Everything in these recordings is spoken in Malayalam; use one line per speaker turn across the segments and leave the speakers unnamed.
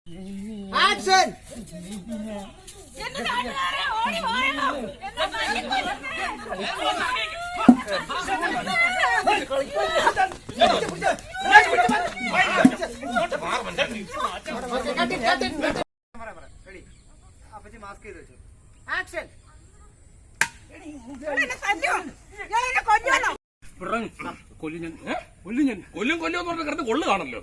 ആക്ഷൻ. അപ്പച്ചി മാസ്ക് ചെയ്ത് വെച്ചു. ആക്ഷൻ.
കൊല്ലും കിടന്ന് കൊള്ളു കാണല്ലോ.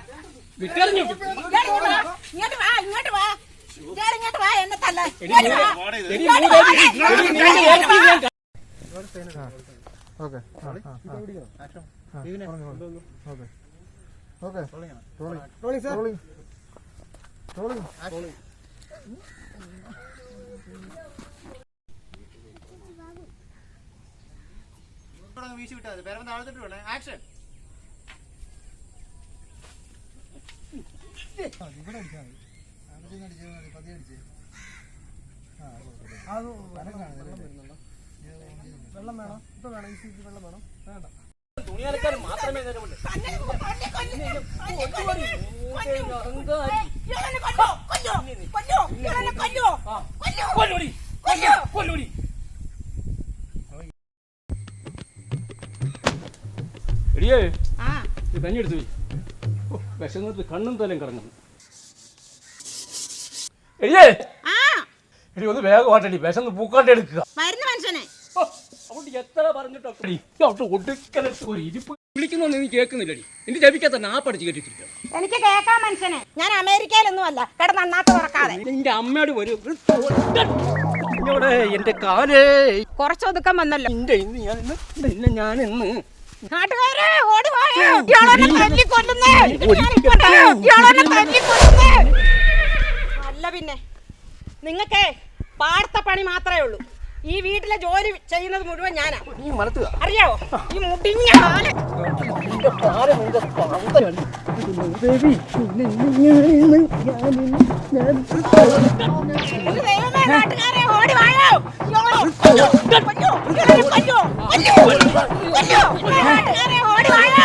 വീശി വിട്ടാൽ മതി. പേരമ്പ് താഴ്ത്തിട്ട് വേണേ. ആക്ഷൻ. വെള്ളം വേണം. ഇപ്പൊ വേണം. വെള്ളം വേണം. വേണ്ട. തുണി അലക്കാൻ മാത്രമേ നേരമുള്ളൂ.
എടിയേ കഞ്ഞി എടുത്തു വിശന്നിട്ട് കണ്ണും തലയും കറങ്ങുന്നു. എടിയേ എടി ഒന്ന് വേഗമായിട്ടടി വിശന്ന് പൂക്കാണ്ട് എടുക്കുക. എത്ര പറഞ്ഞിട്ടോ ഒരു ഇരിപ്പ് വിളിക്കുന്നൊന്നും നീ കേൾക്കുന്നില്ലടി. എന്റെ ജപിക്കാത്ത നാപ്പടിച്ച് കേട്ടിരിക്കണം.
എനിക്ക് കേൾക്കാൻ മനുഷ്യനെ. ഞാൻ അമേരിക്കയിലൊന്നും അല്ല കിടന്ന് അണ്ണാത്ത് തുറക്കാതെ.
എന്റെ അമ്മയോട് വരും എന്റെ കാലേ
കുറച്ച് ഒതുക്കം വന്നല്ലോ.
ഞാനിന്ന്
നാട്ടുകാരെ ഓടി വായോ. അല്ല പിന്നെ നിങ്ങൾക്ക് പാടത്ത പണി മാത്രമേ ഉള്ളൂ. ഈ വീട്ടിലെ ജോലി ചെയ്യുന്നത് മുഴുവൻ ഞാനാ. അറിയാവോ ഈ മുടിഞ്ഞ ദൈവമേ. നാട്ടുകാരെ ഓടി വായോ. നാട്ടുകാരെ ഓടി വായോ.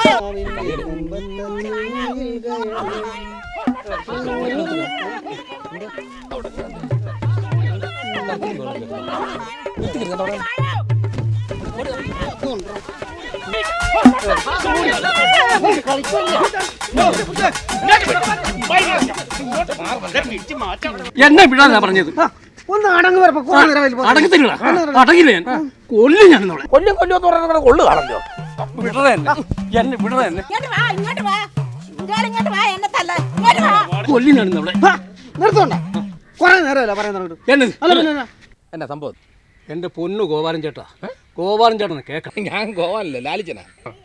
എന്നെ വിടാനാ പറഞ്ഞത്.
ഒന്ന് അടങ്ങ്.
അടങ്ങത്തില്ല. അടങ്ങില്ല. ഞാൻ കൊല്ലും. ഞാൻ കൊല്ലും പറഞ്ഞ കൊള്ളു കാണല്ലോ. വിടറ എന്നെ വിടറ എന്നെ കൊല്ലിനാണ് അവിടെ.
നിർത്തോണ്ട. കൊറേ നേരമല്ല പറയുന്നത്.
എന്നാ സംഭവം? എന്റെ പൊന്നു ഗോപാലൻ ചേട്ടാ. ഗോപാലൻ ചേട്ടനെ കേൾക്കണം. ഞാൻ ഗോപാലല്ലേ, ലാലിച്ചനാ.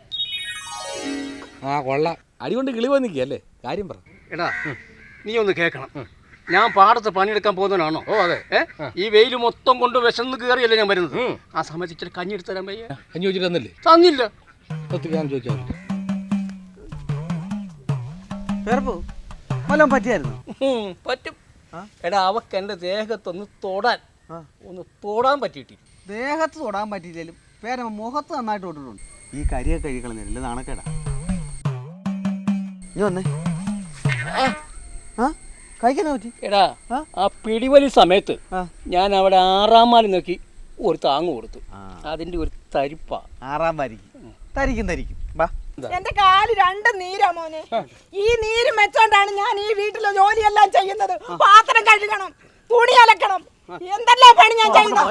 കൊള്ളാം. അടികൊണ്ട് കിളി പോയി നിൽക്കുകയല്ലേ. കാര്യം പറ. എടാ നീ ഒന്ന് കേൾക്കണം. ഞാൻ പാടത്ത് പണിയെടുക്കാൻ പോകുന്നവനാണോ? ഓ അതെ. ഈ വെയിൽ മൊത്തം കൊണ്ട് വിശന്ന് കയറിയല്ലേ ഞാൻ വരുന്നത്. ആ സമയത്ത് ഇച്ചിരി കഞ്ഞി എടുത്ത് തരാൻ പയ്യ. കഞ്ഞി ചോദിച്ചിട്ട് തന്നില്ലേ? തന്നില്ല. ഞാൻ ചോദിച്ചാൽ
പറ്റിയായിരുന്നു.
പറ്റും. എടാ അവക്ക് എന്റെ ദേഹത്തൊന്ന് തൊടാൻ പറ്റിയിട്ടില്ല.
ദേഹത്ത് തൊടാൻ പറ്റിയില്ലേലും പേരമ്മ മുഖത്ത് നന്നായിട്ട് തൊട്ടിട്ടുണ്ട്. ഈ കരിയൊക്കെ കഴിക്കളഞ്ഞില്ല. നാണക്കേടാ. നീ വന്നേ. കഴിക്കാൻ പറ്റി.
എടാ ആ പിടിവലി സമയത്ത് ഞാൻ അവിടെ 6-ാം മാലി നോക്കി ഒരു താങ്ങ് കൊടുത്തു. അതിന്റെ ഒരു തരിപ്പാ.
6-ാം വാരിക്ക് തരിക്കും.
എന്റെ കാല് 2 നീരാ മോനെ. ഈ നീര് വെച്ചോണ്ടാണ് ഞാൻ ഈ വീട്ടിലെ ജോലിയെല്ലാം ചെയ്യുന്നത്. പാത്രം കഴുകണം, തുണി അലക്കണം, എന്തെല്ലാം പണി ഞാൻ ചെയ്യുന്നു.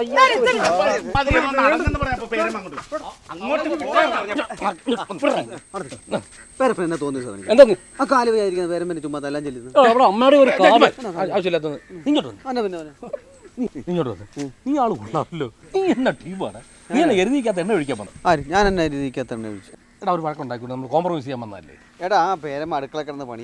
പേരപ്പൻ തോന്നിയത് ആ കാല് വിചാരിക്കുന്നത് പേരമ്പനെ ചുമ്മാ എല്ലാം ചെല്ലുന്നു.
അമ്മയുടെ ഒരു ആവശ്യമില്ലാത്തത്. ഇങ്ങോട്ട് നീ ആള് കൊള്ളാമല്ലോ. നീ എന്നാ ടീമാണ്. നീ എന്നെ എരുതിക്കാത്ത എണ്ണ ഒഴിക്കാൻ പോണം.
ഞാൻ എന്നെ എരുതിക്കാത്ത എണ്ണ ഒഴിച്ചു.
എടാ ഒരു വഴക്കുണ്ടാക്കിയിട്ട് നമ്മൾ കോംപ്രമൈസ് ചെയ്യാൻ വന്നല്ലേ.
എടാ ആ പേരമ്മ അടുക്കള കിടന്ന് പണി.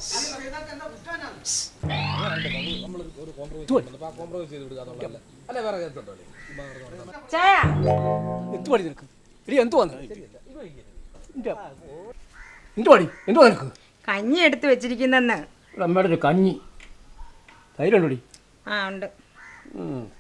കഞ്ഞി എടുത്ത് വെച്ചിരിക്കുന്നെന്ന്.
അമ്മയുടെ ഒരു കഞ്ഞി. തൈരുണ്ടോടി?
ഉണ്ട്.